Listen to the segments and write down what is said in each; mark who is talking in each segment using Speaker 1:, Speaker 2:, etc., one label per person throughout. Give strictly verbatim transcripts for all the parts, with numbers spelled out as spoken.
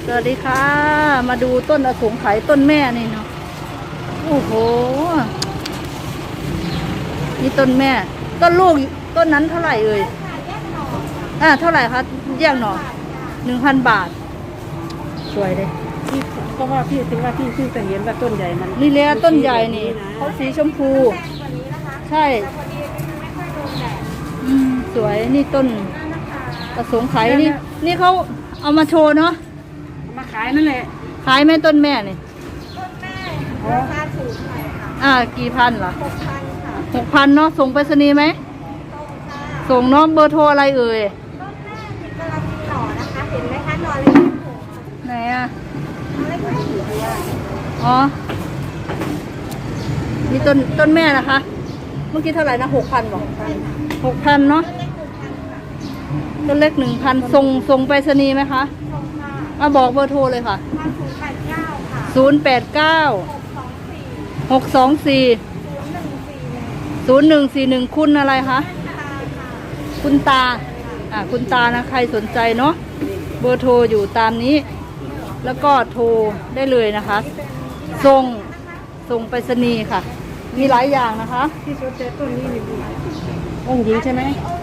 Speaker 1: สวัสดีค่ะมาดูต้นอสงไขยต้นแม่นี่เนาะโอ้โหนี่ต้นแม่ต้นลูกต้นนั้นเท่าไหร่เอ่ยอ่าเท่าไหร่คะแยกหน่อหนึ่งพันบาทสวยเลย
Speaker 2: พี่ก็ว่าพี่ถึงว่าพี่พี่จะเห็นว่าต้นใหญ่มัน
Speaker 1: นี่เลยต้นใหญ่นี่เขาสีชมพูใช่อืมสวยนี่ต้นอสงไขยนี่นี่เขาเอามาโชว์เนาะ
Speaker 2: มาขายนั่นแหละ
Speaker 1: ขายไหมต้นแม่นี่
Speaker 3: ต้นแม่ราคาถูกหน่อยค่ะ
Speaker 1: อ่ากี่พันเหรอ
Speaker 3: หกพันค่ะ
Speaker 1: หกพันเนาะส่งไปรษณีย์ไหม
Speaker 3: ตรงค่ะ
Speaker 1: ส่งเนาะเบอร์โทรอะไรเอ่ย
Speaker 3: ต้นแม่นี่กำลังมีหน่อนะคะเห็นไหมคะหน่อเล็ก
Speaker 1: ไหนอ่ะ
Speaker 3: เล็กๆอยู่ด้วย
Speaker 1: อ๋อนี่ต้นต้นแม่นะคะเมื่อกี้เท่าไหร่นะหกพันบอกหกพันเนาะต้นเล็กหนึ่งพันส่งส่งไปรษณีย์ไหมคะ
Speaker 3: ตรงค่ะ
Speaker 1: มาบอกเบอร์โทรเลยค่ะ
Speaker 3: ศูนย์แปดเก้าค่ะ
Speaker 1: ศูนย์แปดเก้า
Speaker 3: หกสองสี่
Speaker 1: หกสองสี่ศูนย์หนึ่งสี่หนึ่งคุณอะไรคะคุณตาอ่าคุณตานะใครสนใจเนาะเบอร์โทรอยู่ตามนี้แล้วก็โทรได้เลยนะคะส่งส่งไปรษณีย์ค่ะมีหลายอย่างนะคะ
Speaker 2: ที่สนใจต้นนี้นี่องค์หญิงใช่ไหม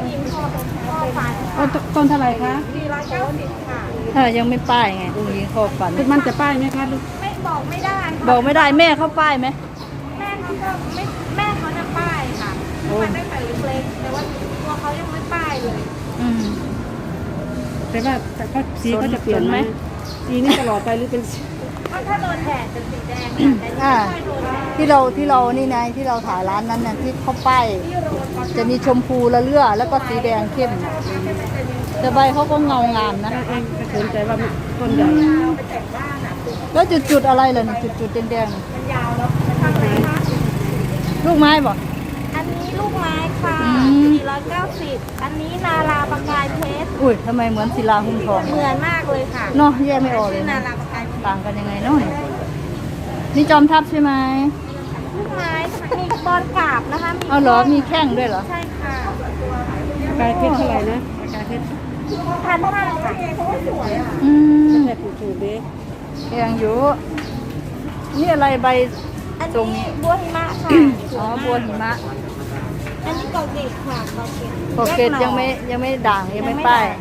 Speaker 2: ต้นเท่าไหร่คะ
Speaker 3: สี่ร้อยเก้าสิบค่ะ
Speaker 1: เออยังไม่ป้ายไงองค์หญิงขอบฝัน
Speaker 2: มันจะป้ายไหมคะลูก
Speaker 3: ไม่บอกไม่ได้
Speaker 1: บอกไม่ได้แม่เขาป้ายไหม
Speaker 3: แม่เขาก็ไม่แม่เขาจะป้ายค่ะมันได้แต่เล็กๆแต่ว่าตัวเขายังไม่ป้ายเลย
Speaker 1: อืม
Speaker 2: แต่ว่าแต่ก็สีเขาจะเปลี่ยนไหมสีนี้ตลอดไปหรือเป็น
Speaker 3: ก็ถ้าโดนแดดเป็นสีแดงแต่
Speaker 1: อ่า
Speaker 3: ไม่โดนแดด
Speaker 1: ที่เราที่เรานี่ไงที่เราถ่ายร้านนั้นน่ะที่เขาป้ายจะมีชมพูละเลือแล้วก็สีแดงเข้มแต่ใบเขาก็เงางามนะ
Speaker 2: เองก็สนใจว่าต้นใหญ่
Speaker 1: แล้วจุดๆอะไรล่ะนี่จุดๆแดงๆ
Speaker 3: มันยาวแล้วทำไมคะ
Speaker 1: ลูกไม้บ่
Speaker 3: อันนี้ลูกไม้ค่ะสี่ร้อยเก้าสิบอันนี้นาราประกายเพชร
Speaker 1: อุ้ยทำไมเหมือนศิลาหุ้มทอง
Speaker 3: เหมือนมากเลยค่ะ
Speaker 1: เนาะแยกไม่ออกเลย
Speaker 3: นาราประกาย
Speaker 1: ต่างกันยังไงเนาะนี่จอมทัพใช่ไหม
Speaker 3: ลูกไม้มีบอลกาบนะคะ
Speaker 1: เอาเหรอมีแข้งด้วยเหรอ
Speaker 3: ใช่ค่ะ
Speaker 2: กายเพชรเท่าไหร่นะกายเพชร
Speaker 3: พันห้าค่ะสวยอ่ะ
Speaker 1: อืม
Speaker 2: แต่ผูกถูกเด้
Speaker 1: แพงอยู่นี่อะไรใบ
Speaker 3: อัน
Speaker 1: ตรง
Speaker 3: นี้
Speaker 1: นี้
Speaker 3: บัวหิมะค่ะ
Speaker 1: อ๋อบัวหิมะ
Speaker 3: อันนี้กอเกตค่ะกอเกต
Speaker 1: กอเกตยังไม่ยังไม่ด่างยังไม่ป้าย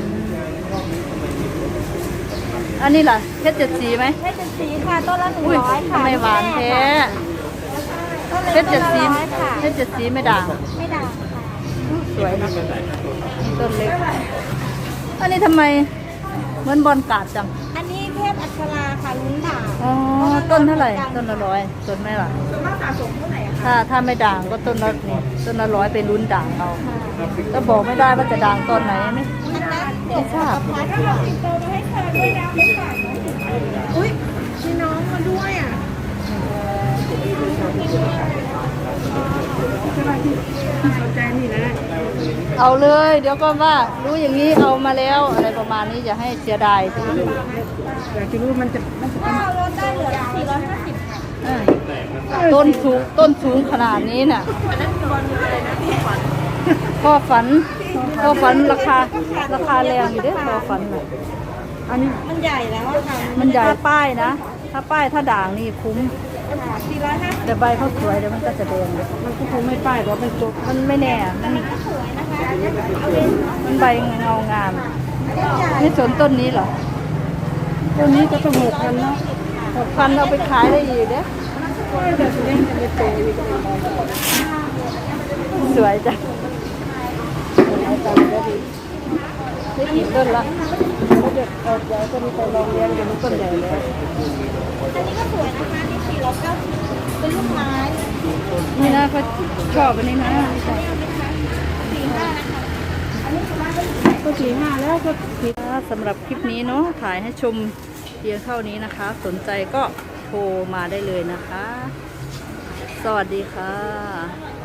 Speaker 1: อันนี้ล่ะเพชรเจ็ดสีไหม
Speaker 3: เพชรเจ็ดสีค่ะต้นละหนึ่งร้อยค่ะ
Speaker 1: ทำไมหวานแท้เพชรเจ็ดสีเพชรเจ็ดสีไม่ด่าง
Speaker 3: ไม่ด่างค่ะ
Speaker 1: สวยนะต้นเล็กอันนี้ทำไมเหมือนบอลกาดจัง
Speaker 3: อันนี้เทพอัชราค่ะลุ้นด่าง
Speaker 1: อ๋อต้นเท่าไหร่ต้นละร้อยต้นไม่ล่ะถ้าถ้าไม่ด่างก็ต้นละนี่ต้นละร้อยไปลุ้นด่างเอาก็บอกไม่ได้ว่าจะด่างตอนไหนไม่ไม่ทราบ
Speaker 3: อุ้ยมีน้องมาด้วยอ่ะ
Speaker 2: สนใจนี่นะ
Speaker 1: เอาเลยเดี๋ยวก็ว่ารู้อย่างนี้เอามาแล้วอะไรประมาณนี้อย่าให้เสียดายสิ
Speaker 2: อยากจะรู้มันจะมันจะ
Speaker 3: ก็ลดได้เหลือสี่ร้อยห้าสิบค่ะ
Speaker 1: ต้นสูงต้นสูงขนาดนี้น่ะพ่อฝันพ่อฝันราคาราคาแรงอยู่ด้วยพ่อฝันน่ะ
Speaker 2: อันนี้
Speaker 3: มันใหญ่แล้วค่ะ
Speaker 1: มันใหญ่ป้ายนะถ้าป้ายถ้าด่างนี่คุ้ม
Speaker 3: สี่ร้อยห้าสิบ
Speaker 1: แต่ใบเขาสวยเดี๋ยวมันก็จะแดง
Speaker 2: มันก็คงไม่ป้ายเพราะมันจบ
Speaker 1: มันไม่แน่มัน
Speaker 3: สวยนะคะ
Speaker 1: มันใบเงางามนี่สวนต้นนี้เหรอ
Speaker 2: ต้นนี้ก็ต้องหกพันเนาะ
Speaker 1: หกพันเอาไปขายได้อีกเด้อ
Speaker 2: แต่ตัวนี้จะไม่โตอีก
Speaker 1: สวยจ้ะได้กี่ต้นละ
Speaker 2: ก็จะเอาใหญ่ก็มีไปลองเลี้ยงเดี๋ยวมันต้นใหญ่แล้ว
Speaker 3: อันนี้ก็สวยนะคะนี่สี่ร้อยเก้าสิบเป็นลูกไม้
Speaker 1: นี่นะเขาชอบอันนี้นะ
Speaker 3: สี่ห้านะคะอันนี้สวยมาก
Speaker 2: ก็สี่ห้าแล้วก็
Speaker 1: สำหรับคลิปนี้เนาะถ่ายให้ชมเพียงเท่านี้นะคะสนใจก็โทรมาได้เลยนะคะสวัสดีค่ะ